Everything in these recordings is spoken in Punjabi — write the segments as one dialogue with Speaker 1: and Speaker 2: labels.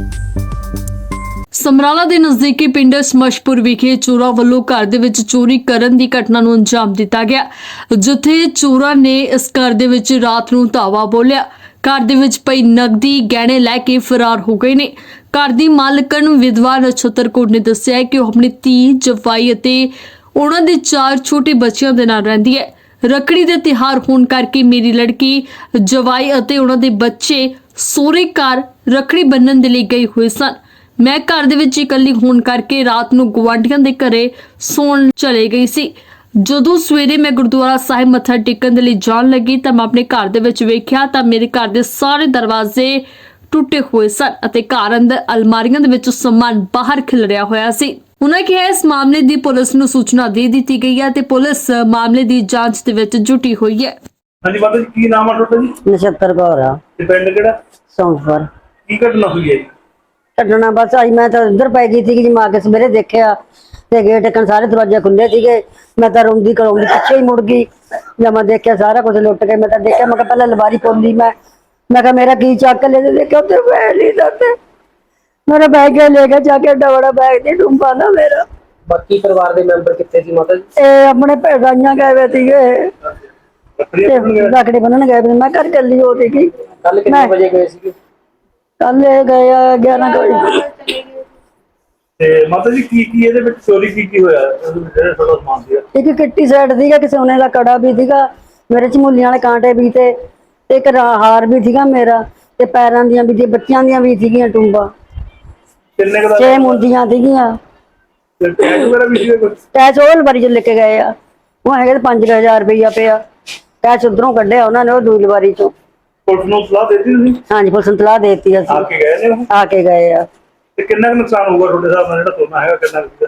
Speaker 1: ਸਮਰਾਲਾ ਦੇ ਨਜ਼ਦੀਕੀ ਪਿੰਡ ਸਮਸ਼ਪੁਰ ਵਿਖੇ ਚੋਰਾਂ ਵੱਲੋਂ ਘਰ ਦੇ ਵਿੱਚ ਚੋਰੀ ਕਰਨ ਦੀ ਘਟਨਾ ਨੂੰ ਅੰਜਾਮ ਦਿੱਤਾ ਗਿਆ, ਜਿੱਥੇ ਚੋਰਾਂ ਨੇ ਇਸ ਘਰ ਦੇ ਵਿੱਚ ਰਾਤ ਨੂੰ ਧਾਵਾ ਬੋਲਿਆ। ਘਰ ਦੇ ਵਿੱਚ ਪਈ ਨਕਦੀ ਗਹਿਣੇ ਲੈ ਕੇ ਫਰਾਰ ਹੋ ਗਏ ਨੇ। ਘਰ ਦੀ ਮਾਲਕਣ ਵਿਧਵਾ ਨਛੱਤਰ ਕੌਰ ਨੇ ਦੱਸਿਆ ਕਿ ਉਹ ਆਪਣੀ ਧੀ, ਜਵਾਈ ਅਤੇ ਉਹਨਾਂ ਦੇ 4 ਛੋਟੇ ਬੱਚਿਆਂ ਦੇ ਨਾਲ ਰਹਿੰਦੀ ਹੈ। ਰੱਖੜੀ ਦੇ ਤਿਉਹਾਰ ਹੋਣ ਕਰਕੇ ਮੇਰੀ ਲੜਕੀ, ਜਵਾਈ ਅਤੇ ਉਹਨਾਂ ਦੇ ਬੱਚੇ ਸਹੁਰੇ ਘਰ ਰੱਖੜੀ ਬੰਨ੍ਹਣ ਦੇ ਲਈ ਗਏ ਹੋਏ ਸਨ। ਮੈਂ ਘਰ ਦੇ ਵਿੱਚ ਇਕੱਲੀ ਹੋਣ ਕਰਕੇ ਰਾਤ ਨੂੰ ਗੁਆਂਢੀਆਂ ਦੇ ਘਰੇ ਸੌਣ ਚਲੇ ਗਈ ਸੀ। ਜਦੋਂ ਸਵੇਰੇ ਮੈਂ ਗੁਰਦੁਆਰਾ ਸਾਹਿਬ ਮੱਥਾ ਟੇਕਣ ਦੇ ਲਈ ਜਾਣ ਲੱਗੀ ਤਾਂ ਮੈਂ ਆਪਣੇ ਘਰ ਦੇ ਵਿੱਚ ਵੇਖਿਆ ਤਾਂ ਮੇਰੇ ਘਰ ਦੇ ਸਾਰੇ ਦਰਵਾਜ਼ੇ ਟੁੱਟੇ ਹੋਏ ਸਨ ਅਤੇ ਘਰ ਅੰਦਰ ਅਲਮਾਰੀਆਂ ਦੇ ਵਿੱਚ ਸਮਾਨ ਬਾਹਰ ਖਿਲਰਿਆ ਹੋਇਆ ਸੀ। ਉਹਨਾਂ ਕਿਹਾ ਇਸ ਮਾਮਲੇ ਦੀ ਪੁਲਿਸ ਨੂੰ ਸੂਚਨਾ ਦੇ ਦਿੱਤੀ ਗਈ ਹੈ ਤੇ ਪੁਲਿਸ ਮਾਮਲੇ ਦੀ ਜਾਂਚ ਦੇ ਵਿੱਚ ਜੁਟੀ ਹੋਈ ਹੈ।
Speaker 2: ਹਾਂਜੀ ਮਾਤਾ ਜੀ, ਕੀ ਨਾਮ ਆ ਤੁਹਾਡਾ ਜੀ?
Speaker 3: ਨਛੱਤਰ ਕੌਰ ਆ।
Speaker 2: ਤੇ ਪਿੰਡ ਕਿਹੜਾ?
Speaker 3: ਸੌਂਫਰ।
Speaker 2: ਕੀ ਘਟਨਾ ਹੋਈ ਹੈ ਜੀ?
Speaker 3: ਕੱਢਣਾ ਬਸ ਆਈ, ਮੈਂ ਤਾਂ ਉੱਧਰ ਪੈ ਗਈ ਸੀ ਜੀ। ਮੈਂ ਆ ਕੇ ਸਵੇਰੇ ਦੇਖਿਆ ਤੇ ਗੇਟ ਟਕਣ ਸਾਰੇ ਦਰਵਾਜ਼ੇ ਖੁੱਲੇ ਸੀਗੇ। ਮੈਂ ਤਾਂ ਰੋਂਦੀ ਕਰਾਉਂਦੀ ਪਿੱਛੇ ਹੀ ਮੁੜ ਗਈ। ਜਦ ਮੈਂ ਦੇਖਿਆ ਸਾਰਾ ਕੁਝ ਲੁੱਟ ਕੇ, ਮੈਂ ਤਾਂ ਦੇਖਿਆ, ਮੈਂ ਕਿਹਾ ਪਹਿਲਾਂ ਲਵਾਰੀ ਖੋਲੀ। ਮੈਂ ਕਿਹਾ ਮੇਰਾ ਕੀ ਚੱਕ ਲੈ, ਦੇਖਿਆ ਉੱਥੇ ਬੈਗ ਨਹੀਂ ਦਿੱਤੇ। ਮੇਰਾ ਬੈਗ ਲੈ ਕੇ ਜਾ ਕੇ ਡਬੜਾ ਬੈਗ ਦੀ ਡੂੰਬਾ ਨਾ ਮੇਰਾ।
Speaker 4: ਬਾਕੀ ਪਰਿਵਾਰ ਦੇ ਮੈਂਬਰ ਕਿੱਥੇ ਸੀ ਮਾਤਾ ਜੀ?
Speaker 3: ਇਹ ਆਪਣੇ ਭੈਣਾਂ ਗਏ ਵੇ ਸੀਗੇ, ਲੱਕੜੀ ਬੰਨਣ ਗਏ ਵੇ। ਮੈਂ ਘਰ ਚੱਲੀ ਹੋ ਸੀਗੀ।
Speaker 4: ਕੱਲ ਕਿੰਨੇ ਵਜੇ ਗਏ ਸੀਗੇ?
Speaker 3: ਕੱਲ ਇਹ ਗਏ 11 ਵਜੇ।
Speaker 2: ਤੇ ਮਾਤਾ ਜੀ, ਕੀ ਇਹਦੇ ਵਿੱਚ ਚੋਰੀ ਕੀ ਹੋਇਆ? ਜਿਹੜਾ ਤੁਹਾਡਾ ਸਮਾਨ ਸੀਗਾ,
Speaker 3: ਇੱਕ ਕਿੱਟੀ ਸੈੱਟ ਸੀਗਾ, ਕਿ ਸੋਨੇ ਦਾ ਕੜਾ ਵੀ ਸੀਗਾ, ਮੇਰੇ ਝਮੂਲੀਆਂ ਵਾਲੇ ਕਾਂਟੇ ਵੀ ਤੇ ਇੱਕ ਹਾਰ ਵੀ ਸੀਗਾ ਮੇਰਾ, ਤੇ ਪੈਰਾਂ ਦੀਆਂ ਵੀ, ਬੱਚਿਆਂ ਦੀਆਂ ਵੀ ਸੀਗੀਆਂ ਟੁੰਬਾਂ।
Speaker 2: ਕਿੰਨੇ ਕੁ ਦਾ
Speaker 3: 6 ਮੁੰਦੀਆਂ ਸੀਗੀਆਂ।
Speaker 2: ਤੇ ਟੈਗ ਵਗੈਰਾ ਵੀ ਸੀਗਾ ਕੁਝ?
Speaker 3: ਕੈਸ਼ ਉਹ ਲਵਾਰੀ ਚ ਲੈ ਕੇ ਗਏ ਆ। ਉਹ ਹੈਗੇ 5000 ਰੁਪਇਆ ਪਿਆ ਕੈਸ਼ ਉਧਰੋਂ ਕੱਢਿਆ ਉਹਨਾਂ ਨੇ, ਉਹ ਦੂਜੀ ਲਵਾਰੀ ਚੋਂ।
Speaker 2: ਪੁਲਿਸ ਨੂੰ ਸਲਾਹ ਦੇ ਦਿੱਤੀ ਤੁਸੀਂ?
Speaker 3: ਹਾਂਜੀ, ਪੁਲਿਸ ਨੂੰ ਸਲਾਹ ਦੇ ਦਿੱਤੀ ਅਸੀਂ।
Speaker 2: ਆ ਕੇ ਗਏ ਨੇ ਉਹ?
Speaker 3: ਆ ਕੇ ਗਏ ਆ।
Speaker 2: ਤੇ ਕਿੰਨਾ ਕੁ ਨੁਕਸਾਨ ਹੋਊਗਾ ਤੁਹਾਡੇ ਹਿਸਾਬ ਨਾਲ? ਜਿਹੜਾ ਸੋਨਾ ਹੈਗਾ ਕਿੰਨਾ ਕੁ?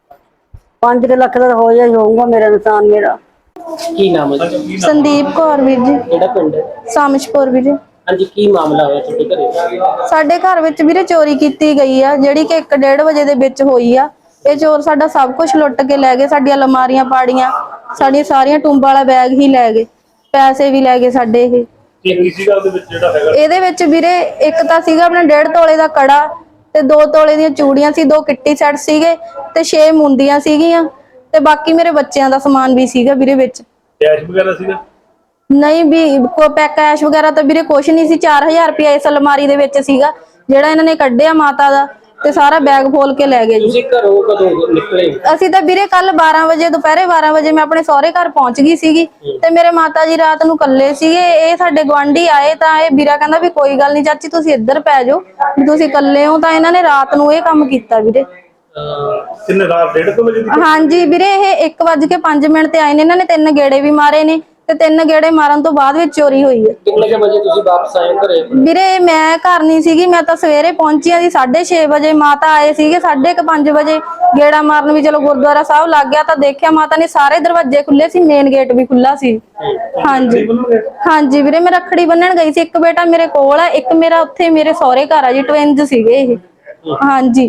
Speaker 3: 5 ਲੱਖ ਦਾ ਹੋ ਜਾਈ ਹੋਊਗਾ ਮੇਰਾ ਨੁਕਸਾਨ। ਮੇਰਾ
Speaker 4: ਕੀ ਨਾਮ ਹੈ ਜੀ?
Speaker 5: ਸੰਦੀਪ ਕੌਰ ਵੀਰ ਜੀ,
Speaker 4: ਕਿਹੜਾ ਪਿੰਡ ਹੈ?
Speaker 5: ਸਾਮਸ਼ਪੁਰ ਵੀਰੇ।
Speaker 4: ਹਾਂਜੀ, ਕੀ ਮਾਮਲਾ ਹੋਇਆ ਤੁਹਾਡੇ ਘਰੇ?
Speaker 5: ਸਾਡੇ ਘਰ ਵਿੱਚ ਵੀਰੇ ਚੋਰੀ ਕੀਤੀ ਗਈ ਆ, ਜਿਹੜੀ ਕਿ 1-1:30 ਵਜੇ ਦੇ ਵਿੱਚ ਹੋਈ ਆ। ਇਹ ਚੋਰ ਸਾਡਾ ਸਭ ਕੁਝ ਲੁੱਟ ਕੇ ਲੈ ਗਏ। ਸਾਡੀਆਂ ਅਲਮਾਰੀਆਂ ਪਾੜੀਆਂ, ਸਾਡੀਆਂ ਸਾਰੀਆਂ ਟੁੰਬਾਂ ਵਾਲਾ ਬੈਗ ਹੀ ਲੈ ਗਏ, ਪੈਸੇ ਵੀ ਲੈ ਗਏ ਸਾਡੇ।
Speaker 2: ਕੀ ਸੀਗਾ ਉਹਦੇ ਵਿੱਚ ਜਿਹੜਾ ਹੈਗਾ?
Speaker 5: ਇਹਦੇ ਵਿੱਚ ਵੀਰੇ ਇੱਕ ਤਾਂ ਸੀਗਾ ਆਪਣਾ 1.5 ਤੋਲੇ ਦਾ ਕੜਾ ਤੇ 2 ਤੋਲੇ ਦੀਆਂ ਚੂੜੀਆਂ ਸੀ, 2 ਕਿੱਟੀ ਸੈੱਟ ਸੀਗੇ ਤੇ 6 ਮੁੰਦੀਆਂ ਸੀਗੀਆਂ, ਤੇ ਬਾਕੀ ਮੇਰੇ ਬੱਚਿਆਂ ਦਾ ਸਮਾਨ ਵੀ ਸੀਗਾ ਵੀਰੇ ਵਿੱਚ।
Speaker 2: ਕੈਸ਼ ਵਗੈਰਾ ਸੀਗਾ?
Speaker 5: ਨਹੀਂ ਵੀ ਕੈਸ਼ ਵਗੈਰਾ ਤਾਂ ਵੀਰੇ ਕੁਛ ਨਹੀਂ ਸੀ। 4000 ਰੁਪਇਆ ਇਸ ਅਲਮਾਰੀ ਦੇ ਵਿੱਚ ਸੀਗਾ, ਜਿਹੜਾ ਇਹਨਾਂ ਨੇ ਕੱਢਿਆ ਮਾਤਾ ਦਾ, ਤੇ ਸਾਰਾ ਬੈਗ ਫੋਲ ਕੇ ਲੈ ਗਏ ਜੀ।
Speaker 4: ਤੁਸੀਂ ਘਰੋਂ ਕਦੋਂ ਨਿਕਲੇ?
Speaker 5: ਅਸੀਂ ਤਾਂ ਵੀਰੇ ਕੱਲ 12 ਵਜੇ, ਦੁਪਹਿਰੇ 12 ਵਜੇ ਮੈਂ ਆਪਣੇ ਸਹੁਰੇ ਘਰ ਪਹੁੰਚ ਗਈ ਸੀਗੀ, ਤੇ ਮੇਰੇ ਮਾਤਾ ਜੀ ਰਾਤ ਨੂੰ ਇਕੱਲੇ ਸੀਗੇ। ਇਹ ਸਾਡੇ ਗੁਆਂਢੀ ਆਏ ਤਾਂ ਇਹ ਵੀਰਾ ਕਹਿੰਦਾ ਵੀ ਕੋਈ ਗੱਲ ਨਹੀਂ ਚਾਚੀ, ਤੁਸੀਂ ਇੱਧਰ ਪੈ ਜਾਓ, ਵੀ ਤੁਸੀਂ ਇਕੱਲੇ ਹੋ। ਤਾਂ ਇਹਨਾਂ ਨੇ ਰਾਤ ਨੂੰ ਇਹ ਕੰਮ ਕੀਤਾ ਵੀਰੇ।
Speaker 2: ਕਿੰਨੇ ਰਾਤ 1:30 ਵਜੇ ਦੀ?
Speaker 5: ਹਾਂਜੀ ਵੀਰੇ, ਇਹ 1:05 ਤੇ ਆਏ ਨੇ। ਇਹਨਾਂ ਨੇ 3 ਗੇੜੇ ਵੀ ਮਾਰੇ ਨੇ, ਤੇ 3 ਗੇੜੇ ਮਾਰਨ ਤੋਂ ਬਾਅਦ ਵਿੱਚ ਚੋਰੀ ਹੋਈ ਹੈ।
Speaker 4: ਕਿੰਨੇ ਵਜੇ ਤੁਸੀਂ ਵਾਪਸ ਆਏ ਘਰੇ?
Speaker 5: ਵੀਰੇ ਮੈਂ ਘਰ ਨਹੀਂ ਸੀਗੀ, ਮੈਂ ਤਾਂ ਸਵੇਰੇ ਪਹੁੰਚੀ ਆ ਜੀ 6:30 ਵਜੇ। ਮਾਤਾ ਆਏ ਸੀਗੇ 5:30 ਵਜੇ ਗੇੜਾ ਮਾਰਨ। ਵੀ ਚਲੋ ਗੁਰਦੁਆਰਾ ਸਾਹਿਬ ਲੱਗ ਗਿਆ ਤਾਂ ਦੇਖਿਆ ਮਾਤਾ ਨੇ ਸਾਰੇ ਦਰਵਾਜ਼ੇ ਖੁੱਲੇ ਸੀ, ਮੇਨ ਗੇਟ ਵੀ ਖੁੱਲਾ ਸੀ। ਹਾਂਜੀ ਹਾਂਜੀ ਵੀਰੇ, ਮੈਂ ਰੱਖੜੀ ਬੰਨਣ ਗਈ ਸੀ। ਇੱਕ ਬੇਟਾ ਮੇਰੇ ਕੋਲ ਆ, ਇੱਕ ਮੇਰਾ ਉੱਥੇ ਮੇਰੇ ਸਹੁਰੇ ਘਰ ਆ ਜੀ, ਟਵਿੰਜ ਸੀਗੇ ਇਹ। ਹਾਂਜੀ,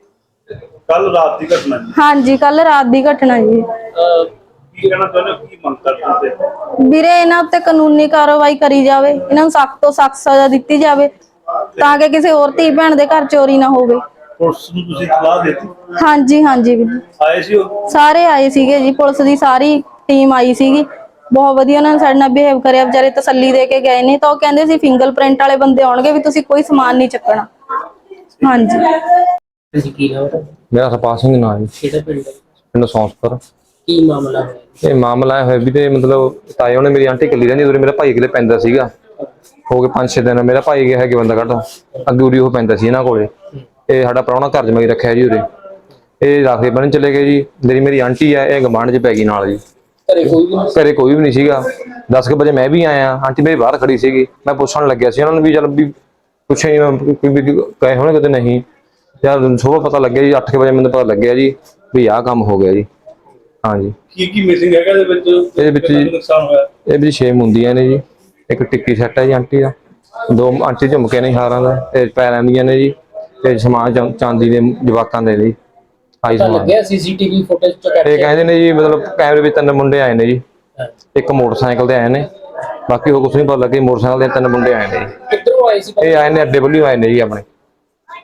Speaker 2: ਕੱਲ ਰਾਤ ਦੀ ਘਟਨਾ ਜੀ?
Speaker 5: ਹਾਂਜੀ, ਕੱਲ ਰਾਤ ਦੀ ਘਟਨਾ ਜੀ।
Speaker 2: ਕੀ ਕਹਿਣਾ ਚਾਹੁੰਦੇ ਹੋ? ਕੀ ਮੰਗ ਕਰਦੇ ਹੋ?
Speaker 5: ਵੀਰੇ ਇਹਨਾਂ ਉੱਤੇ ਕਾਨੂੰਨੀ ਕਾਰਵਾਈ ਕਰੀ ਜਾਵੇ, ਇਹਨਾਂ ਨੂੰ ਸਖਤ ਤੋਂ ਸਖਤ ਸਜ਼ਾ ਦਿੱਤੀ ਜਾਵੇ, ਤਾਂ ਕਿ ਕਿਸੇ ਹੋਰ ਧੀ ਭੈਣ ਦੇ ਘਰ ਚੋਰੀ ਨਾ ਹੋਵੇ।
Speaker 2: ਪੁਲਿਸ ਨੂੰ ਤੁਸੀਂ ਸਲਾਹ ਦੇ ਦਿੱਤੀ?
Speaker 5: ਹਾਂਜੀ ਹਾਂਜੀ ਵੀਰੇ,
Speaker 2: ਆਏ ਸੀ ਉਹ?
Speaker 5: ਸਾਰੇ ਆਏ ਸੀਗੇ ਜੀ, ਪੁਲਿਸ ਦੀ ਸਾਰੀ ਟੀਮ ਆਈ ਸੀਗੀ। ਬਹੁਤ ਵਧੀਆ ਉਹਨਾਂ ਨੇ ਸਾਡੇ ਨਾਲ ਬਿਹੇਵ ਕਰਿਆ, ਵਿਚਾਰੇ ਤਸੱਲੀ ਦੇ ਕੇ ਗਏ ਨੇ। ਤਾਂ ਉਹ ਕਹਿੰਦੇ ਸੀ ਫਿੰਗਰਪ੍ਰਿੰਟ ਵਾਲੇ ਬੰਦੇ ਆਉਣਗੇ, ਵੀ ਤੁਸੀਂ ਕੋਈ ਸਮਾਨ ਨਹੀਂ ਚੱਕਣਾ। ਹਾਂਜੀ।
Speaker 4: ਤੁਸੀਂ ਕੀ ਨਾਮ ਹੈ?
Speaker 6: ਮੇਰਾ ਹਰਪਾਲ ਸਿੰਘ ਨਾਮ ਜੀ,
Speaker 4: ਕਿਹੜਾ ਪਿੰਡ ਹੈ?
Speaker 6: ਪਿੰਡ ਸੌਂਸਪੁਰ।
Speaker 4: ਕੀ ਮਾਮਲਾ ਹੋਇਆ?
Speaker 6: ਇਹ ਮਾਮਲਾ ਹੋਇਆ ਵੀ ਤੇ ਮਤਲਬ ਤਾਏ ਉਹਨੇ ਮੇਰੀ ਆਂਟੀ ਇਕੱਲੀ ਰਹਿੰਦੀ, ਉਰੇ ਮੇਰਾ ਭਾਈ ਕਿਲੇ ਪੈਂਦਾ ਸੀਗਾ। ਹੋ ਗਏ 5-6 ਦਿਨ। ਮੇਰਾ ਭਾਈ ਗਿਆ ਹੈਗੇ ਬੰਦਾ ਕੱਢ ਅੱਗੂਰੀ ਉਹ ਪੈਂਦਾ ਸੀ ਇਹਨਾਂ ਕੋਲੇ। ਇਹ ਸਾਡਾ ਪ੍ਰਾਹੁਣਾ ਘਰ ਜਮਾਈ ਰੱਖਿਆ ਜੀ ਉਰੇ। ਇਹ ਰਾਖੇ ਬੰਨ ਚਲੇ ਗਏ ਜੀ। ਮੇਰੀ ਆਂਟੀ ਆ, ਇਹ ਗਵਾਂਢ 'ਚ ਪੈ ਗਈ ਨਾਲ ਜੀ। ਘਰੇ ਕੋਈ ਵੀ ਨਹੀਂ ਸੀਗਾ। 10 ਵਜੇ ਮੈਂ ਵੀ ਆਇਆ, ਆਂਟੀ ਮੇਰੀ ਬਾਹਰ ਖੜੀ ਸੀਗੀ। ਮੈਂ ਪੁੱਛਣ ਲੱਗਿਆ ਸੀ ਉਹਨਾਂ ਨੂੰ ਵੀ ਚੱਲ ਵੀ ਪੁੱਛਿਆ ਕਹੇ ਹੋਣੇ ਕਿਤੇ ਨਹੀਂ। ਯਾਰ ਸੁਬਾਹ ਪਤਾ ਲੱਗਿਆ ਜੀ, 8 ਵਜੇ ਮੈਨੂੰ ਪਤਾ ਲੱਗਿਆ ਜੀ ਵੀ ਆਹ ਕੰਮ ਹੋ ਗਿਆ ਜੀ। ਹਾਂਜੀ।
Speaker 2: ਕੀ ਮਿਸਿੰਗ ਹੈਗਾ ਇਹਦੇ ਵਿੱਚ?
Speaker 6: ਇਹਦੇ ਵਿੱਚ
Speaker 2: ਨੁਕਸਾਨ ਹੋਇਆ?
Speaker 6: ਇਹ ਵੀ 6 ਮੁੰਦੀਆਂ ਨੇ ਜੀ, ਇੱਕ ਟਿੱਕੀ ਸੈੱਟ ਹੈ ਜੀ ਆਂਟੀ ਦਾ, 2 ਆਂਟੀ ਝੁਮਕੇ ਨੇ ਹਾਰਾਂ ਦਾ, ਤੇ ਪੈਰਾਂ ਦੀਆਂ ਨੇ ਜੀ, ਤੇ ਸਮਾਨ ਚਾਂਦੀ ਦੇ ਜਵਾਕਾਂ ਦੇ ਜੀ। ਆਈ ਸਮਾਨ
Speaker 4: ਲੱਗਿਆ ਸੀਸੀਟੀਵੀ ਫੁਟੇਜ ਚ ਕੈਪਚਰ।
Speaker 6: ਇਹ ਕਹਿੰਦੇ ਨੇ ਜੀ ਮਤਲਬ ਕੈਮਰੇ ਵਿੱਚ 3 ਮੁੰਡੇ ਆਏ ਨੇ ਜੀ, ਇੱਕ ਮੋਟਰਸਾਈਕਲ ਤੇ ਆਏ ਨੇ, ਬਾਕੀ ਉਹ ਕੁਛ ਨਹੀਂ ਪਤਾ ਲੱਗੇ। ਮੋਟਰਸਾਈਕਲ ਦੇ 3 ਮੁੰਡੇ ਆਏ ਨੇ ਜੀ।
Speaker 4: ਕਿੱਧਰੋਂ ਆਏ ਸੀ?
Speaker 6: ਇਹ ਆਏ ਨੇ ਅੱਡੇ ਵੱਲੋਂ ਆਏ ਨੇ ਜੀ ਆਪਣੇ।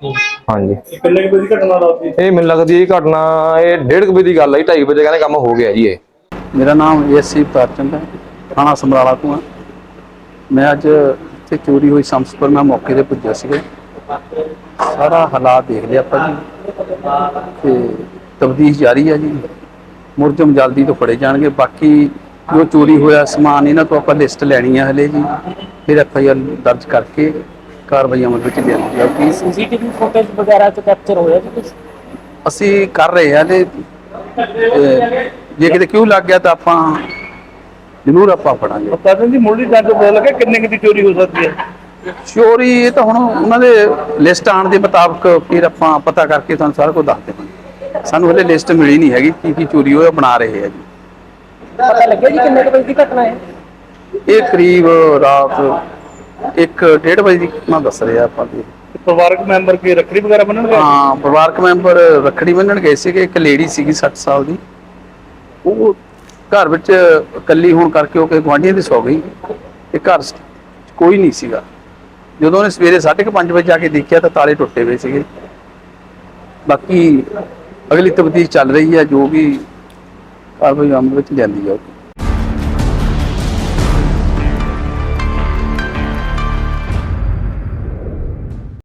Speaker 6: ਹਾਂਜੀ।
Speaker 2: ਇਹ ਕਿੰਨੇ ਕੁ ਵਜੇ ਦੀ ਘਟਨਾ ਦੱਸਦੀ?
Speaker 6: ਇਹ ਮੈਨੂੰ ਲੱਗਦੀ ਇਹ ਘਟਨਾ ਇਹ 1:30 ਵਜੇ ਦੀ ਗੱਲ ਹੈ, 2:30 ਵਜੇ ਕਹਿੰਦੇ ਕੰਮ ਹੋ ਗਿਆ ਜੀ ਇਹ।
Speaker 7: ਮੇਰਾ ਨਾਮ ਏਐਸਸੀ ਪ੍ਰਚੰਦ ਹੈ, ਥਾਣਾ ਸਮਰਾਲਾ ਤੋਂ ਹਾਂ। ਮੈਂ ਅੱਜ ਇੱਥੇ ਚੋਰੀ ਹੋਈ ਸੰਸਪੁਰ ਮੈਂ ਮੌਕੇ ਤੇ ਪੁੱਜਿਆ ਸੀਗਾ। ਸਾਰਾ ਹਾਲਾਤ ਦੇਖ ਲਿਆ ਆਪਾਂ ਜੀ ਤੇ ਤਫਤੀਸ਼ ਜਾਰੀ ਹੈ ਜੀ। ਮੁਲਜ਼ਮ ਜਲਦੀ ਤੋਂ ਫੜੇ ਜਾਣਗੇ। ਬਾਕੀ ਜੋ ਚੋਰੀ ਹੋਇਆ ਸਮਾਨ ਇਹਨਾਂ ਤੋਂ ਆਪਾਂ ਲਿਸਟ ਲੈਣੀ ਹੈ ਹਲੇ ਜੀ, ਫਿਰ ਐਫਆਈਆਰ ਦਰਜ ਕਰਕੇ ਕਾਰਵਾਈ ਅਮਲ ਵਿੱਚ ਲਿਆਂਦੀ ਜਾਊਗੀ।
Speaker 4: ਸੀਸੀਟੀਵੀ ਫੁਟੇਜ ਵਗੈਰਾ ਚ ਕੈਪਚਰ ਹੋਇਆ ਜੀ ਕੁਝ?
Speaker 7: ਅਸੀਂ ਕਰ ਰਹੇ ਹਾਂ ਤੇ ਜੇ ਕਿਤੇ ਕਿਉਂ ਲੱਗ ਗਿਆ ਤਾਂ ਆਪਾਂ ਜ਼ਰੂਰ ਆਪਾਂ ਫੜਾਂਗੇ।
Speaker 2: ਪ੍ਰਸ਼ਾਸਨ ਦੀ ਮੁੱਢਲੀ ਜਾਂਚ ਤੋਂ ਪਤਾ ਲੱਗਾ ਕਿੰਨੇ ਕੁ ਦੀ ਚੋਰੀ ਹੋ ਸਕਦੀ ਹੈ?
Speaker 7: ਚੋਰੀ ਇਹ ਤਾਂ ਹੁਣ ਉਹਨਾਂ ਦੇ ਲਿਸਟ ਆਉਣ ਦੇ ਮੁਤਾਬਕ ਫਿਰ ਆਪਾਂ ਪਤਾ ਕਰਕੇ ਤੁਹਾਨੂੰ ਸਾਰਾ ਕੁਝ ਦੱਸ ਦੇਵਾਂਗੇ। ਸਾਨੂੰ ਹਲੇ ਲਿਸਟ ਮਿਲੀ ਨਹੀਂ ਹੈਗੀ ਕੀ ਕੀ ਚੋਰੀ ਹੋਇਆ, ਬਣਾ ਰਹੇ ਆ ਜੀ।
Speaker 4: ਪਤਾ ਲੱਗਿਆ ਜੀ ਕਿੰਨੇ ਕੁ ਵਜੇ ਦੀ ਘਟਨਾ ਹੈ?
Speaker 7: ਇਹ ਕਰੀਬ ਰਾਤ 1:30 ਵਜੇ ਦੀ ਮੈਂ ਦੱਸ ਰਿਹਾ ਆਪਾਂ ਜੀ।
Speaker 2: ਪਰਿਵਾਰਕ ਮੈਂਬਰ ਕੀ ਰੱਖੜੀ ਵਗੈਰਾ ਬੰਨਣ ਗਏ?
Speaker 7: ਹਾਂ, ਪਰਿਵਾਰਕ ਮੈਂਬਰ ਰੱਖੜੀ ਬੰਨਣ ਗਏ ਸੀਗੇ। ਇੱਕ ਲੇਡੀ ਸੀਗੀ 60 ਸਾਲ ਦੀ, ਉਹ ਘਰ ਵਿੱਚ ਇਕੱਲੀ ਹੋਣ ਕਰਕੇ ਉਹ ਕਿ ਗੁਆਂਢੀਆਂ ਦੀ ਸੌ ਗਈ ਤੇ ਘਰ 'ਚ ਕੋਈ ਨਹੀਂ ਸੀਗਾ। ਜਦੋਂ ਉਹਨੇ ਸਵੇਰੇ 5:30 ਵਜੇ ਜਾ ਕੇ ਦੇਖਿਆ ਤਾਂ ਤਾਲੇ ਟੁੱਟੇ ਹੋਏ ਸੀਗੇ। ਬਾਕੀ ਅਗਲੀ ਤਫਤੀਸ਼ ਚੱਲ ਰਹੀ ਹੈ, ਜੋ ਵੀ ਕਾਰਵਾਈ ਅਮਲ ਵਿੱਚ ਲਿਆਂਦੀ ਜਾਊਗੀ।